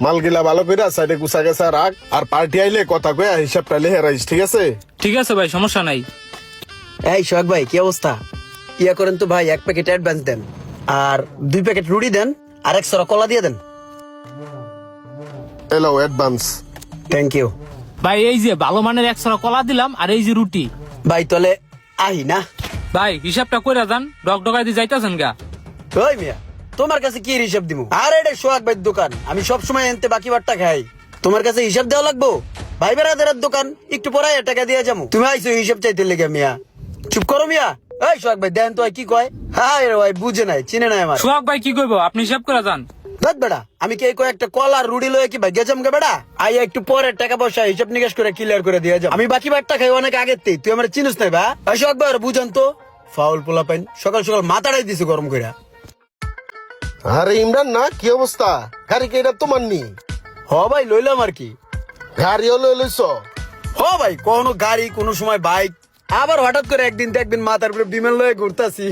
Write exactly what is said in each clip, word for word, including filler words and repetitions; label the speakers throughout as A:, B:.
A: মালগিলা ভালো করে সাইডে গুছা গেছা রাখ, আর পার্টি আইলে কথা কয়ে হিসাবটা লেহে রাখিস, ঠিক আছে?
B: ঠিক আছে ভাই, সমস্যা নাই।
C: এই সোহাগ ভাই, কি অবস্থা? ইয়া করেন তো ভাই, এক প্যাকেট অ্যাডভান্স দেন, আর দুই প্যাকেট রুটি দেন, আর এক সরা কলা দিয়ে দেন।
A: এলো অ্যাডভান্স।
C: থ্যাংক ইউ
B: ভাই এই যে ভালো মানের একশো কলা দিলাম, আর এই যে রুটি।
C: ভাই। তাহলে আহি না
B: ভাই হিসাবটা কইরা যান, ডক ডকাই দিয়ে যাইতাছেন গা।
C: ওই মিয়া, তোমার কাছে কি হিসাব দিব? আর এটা সোহাগ ভাইয়ের দোকান, আমি সব সময় এনতে বাকি বাট্টা খাই। তোমার কাছে হিসাব দেওয়া লাগবো? ভাই বেড়াদের দোকান, একটু পরে টাকা দিয়ে যাবো, তুমি আইসো হিসাব চাইতে লেগে। মিয়া চুপ করো মিয়া। এই সোহাগ ভাই দেন তো কি কয়। হ্যাঁ রে ভাই, বুঝে নাই, চিনে নাই আমার।
B: সোহাগ ভাই কি কইবো, আপনি হিসাব করে যান।
C: দেখ বেড়া, আমি কি কয়েকটা কল আর রুডি লয়ে কি ভাই গেছাম গে বেড়া? আই একটু পরে টাকা পয়সা হিসাব নিকাশ করে ক্লিয়ার করে দিয়ে যাবো। আমি বাকি বাট্টা খাই অনেক আগের তেই, তুই আমার চিনিস নাই বা? এই সোহাগ ভাই বুঝান তো, ফাউল পোলা পাইন, সকাল সকাল মাথাটাই দিছে গরম করে।
A: আরে ইমরান না, কি অবস্থা? গাড়ি কে এটা তোমার নি?
C: হ ভাই লইলাম আর কি।
A: গাড়িও লই লইছ?
C: হ ভাই, কোনো গাড়ি, কোনো সময় বাইক, আবার হঠাৎ করে একদিন দেখবেন মাথার উপরে বিমান লয়ে ঘুরতাছি।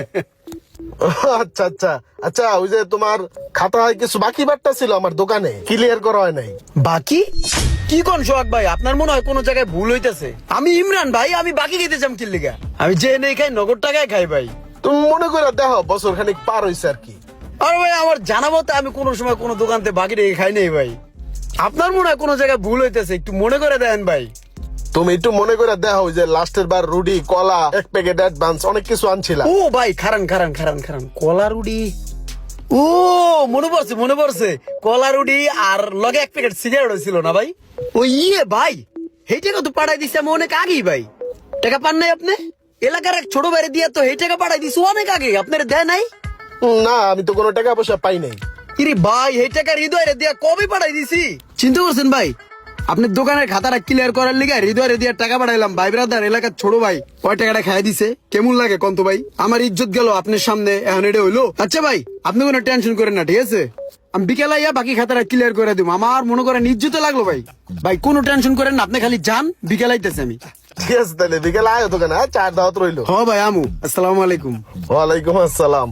A: আচ্ছা আচ্ছা আচ্ছা, ওই যে তোমার খাতায় কিছু বাকি বাট্টা ছিল আমার দোকানে, ক্লিয়ার করা হয় নাই।
C: বাকি কি কোন সোহাগ ভাই? আপনার মনে হয় কোনো জায়গায় ভুল হইতেছে। আমি ইমরান ভাই, আমি বাকি খেতে চাম কি লিগা? আমি যে নেই খাই, নগদ টাকায় খাই ভাই।
A: তুমি মনে করে দেখো, বছর খানিক পার হইছে আর কি।
C: আর ভাই আমার জানাবো তো, আমি কোনো সময় কোনো দোকানতে বাকি রেখে খাই নাই ভাই। আপনার মনে হয় কোনো জায়গায় ভুল হইতেছে, একটু মনে করে দেন ভাই।
A: তুমি একটু মনে করে দেখো, যে লাস্টের বার রুডি, কলা, এক প্যাকেট অ্যাডভান্স, অনেক কিছু আনছিলাম।
C: ও ভাই খারান খারান খারান খারান কলা রুডি। ও মনে পড়ছে মনে পড়ছে, কলা রুডি আর লগে এক প্যাকেট সিগারেট ছিল না ভাই? ও ইয়ে ভাই, এই টাকা তো পাঠাই দিছি আমি অনেক আগেই ভাই। টাকা পান নাই আপনি? এলাকার এক ছোট বাইরে দিয়ে তো এই টাকা পাঠাই দিছি অনেক আগে, আপনার দেয় নাই?
A: না, আমি তো কোনো টাকা পয়সা পাই নাই।
C: ইরে ভাই, এই টাকা হৃদয় রে দিয়া কবে পাঠাই দিছি? চিন্তা করছেন ভাই, আপনার দোকানের খাতাটা ক্লিয়ার করার লিগে হৃদয় রে দিয়া টাকা পাঠাইলাম। ভাই ব্রাদার, এলাকার ছোট ভাই ওই টাকাটা খাই দিছে, কেমন লাগে কন্ত ভাই? আমার ইজ্জত গেল আপনার সামনে, এখন এটা হইলো? আচ্ছা ভাই, আপনি কোনো টেনশন করেন না, ঠিক আছে? আমি বিকেলে আইয়া বাকি খাতাটা ক্লিয়ার করে দিব। আমার মনে করেন ইজ্জতে লাগলো ভাই। ভাই কোনো টেনশন করেন না, আপনি খালি যান, বিকেলে আইতেছে আমি।
A: ঠিক আছে, তাহলে বিকেলে আয় দোকানে, হ্যাঁ? চার দাওয়াত রইলো।
C: হ ভাই আমু, আসসালামু আলাইকুম।
A: ওয়ালাইকুম আসসালাম।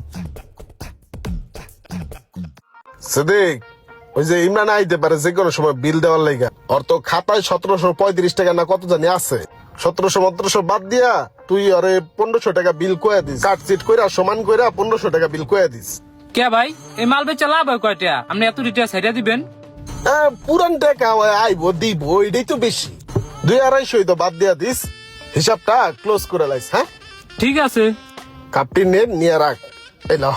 A: সিদ্দিক, ওই যে ইমরান আইতে পারে যে কোনো সময় বিল দেওয়ার লাইগা। ওর তো খাতায় সতেরোশো পঁয়ত্রিশ টাকা না কত জানি আছে। সতেরোশো সতেরোশো বাদ দিয়া তুই ওরে পনেরোশো টাকা বিল কয়ে দিস, কাটচিট কইরা সমান কইরা পনেরোশো টাকা বিল কয়ে দিস।
B: কে ভাই, এই মাল বেচা লাভ হয় কয়টা? আপনি এত রিটা সাইডা দিবেন?
A: হ্যাঁ, পুরান টাকা আইবো দিব, এটাই তো বেশি। দুই আড়াইশোই তো বাদ দিয়া দিস, হিসাবটা ক্লোজ করে লাইস। হ্যাঁ
B: ঠিক আছে।
A: কাপটি নে, নিয়ে রাখ। এলো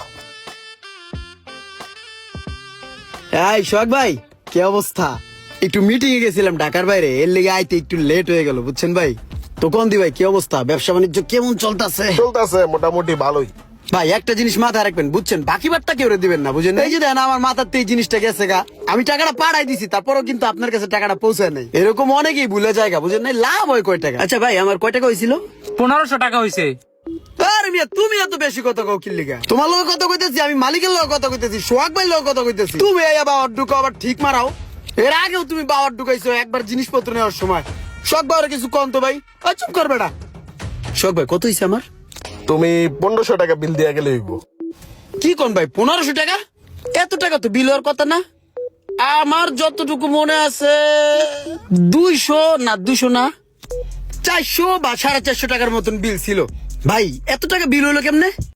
C: এই সোহাগ ভাই, কি অবস্থা? একটু মিটিং এ গেছিলাম ঢাকার বাইরে, এর লেগে আইতে একটু লেট হয়ে গেল, বুঝছেন ভাই? তো কোন দি ভাই, কি অবস্থা? ব্যবসা বাণিজ্য কেমন চলতেছে?
A: চলতেছে মোটামুটি ভালোই।
C: ভাই একটা জিনিস মাথায় রাখবেন, বুঝছেন? বাকি বারটা কেউ দিবেন না, বুঝেন? এই যে দেন আমার মাথাতে এই জিনিসটা গেছে গা, আমি টাকাটা পাঠাই দিছি, তারপরও কিন্তু আপনার কাছে টাকাটা পৌঁছায় নাই। এরকম অনেকেই ভুলে যায়, বুঝেন? নাই লাভ হয় কয় টাকা? আচ্ছা ভাই, আমার কয় টাকা হয়েছিল?
B: পনেরোশো টাকা হয়েছে।
C: আরে মিয়া, তুমি এত বেশি কথা কও কি লিগা? তোমার লগে কথা কইতেছি, আমি মালিকের লগে কথা কইতেছি, সোহাগ ভাই লগে কথা কইতেছি। তুমি এই বাবার ঢুকো আবার ঠিক মারাও। এর আগেও তুমি বাবার ঢুকাইছো একবার জিনিসপত্র নেওয়ার সময়। সোহাগ ভাই কিছু কম তো ভাই। আর চুপ কর বেটা। সোহাগ ভাই কত হইছে আমার?
A: তুমি পনেরোশো টাকা বিল দিয়া গেলে হইব।
C: কি কোন ভাই, পনেরোশো টাকা? এত টাকা তো বিল হওয়ার কথা না। আমার যতটুকু মনে আছে দুইশো না দুশো না চারশো বা সাড়ে চারশো টাকার মতন বিল ছিল। ভাই এত টাকা বিল হলো কেমনে?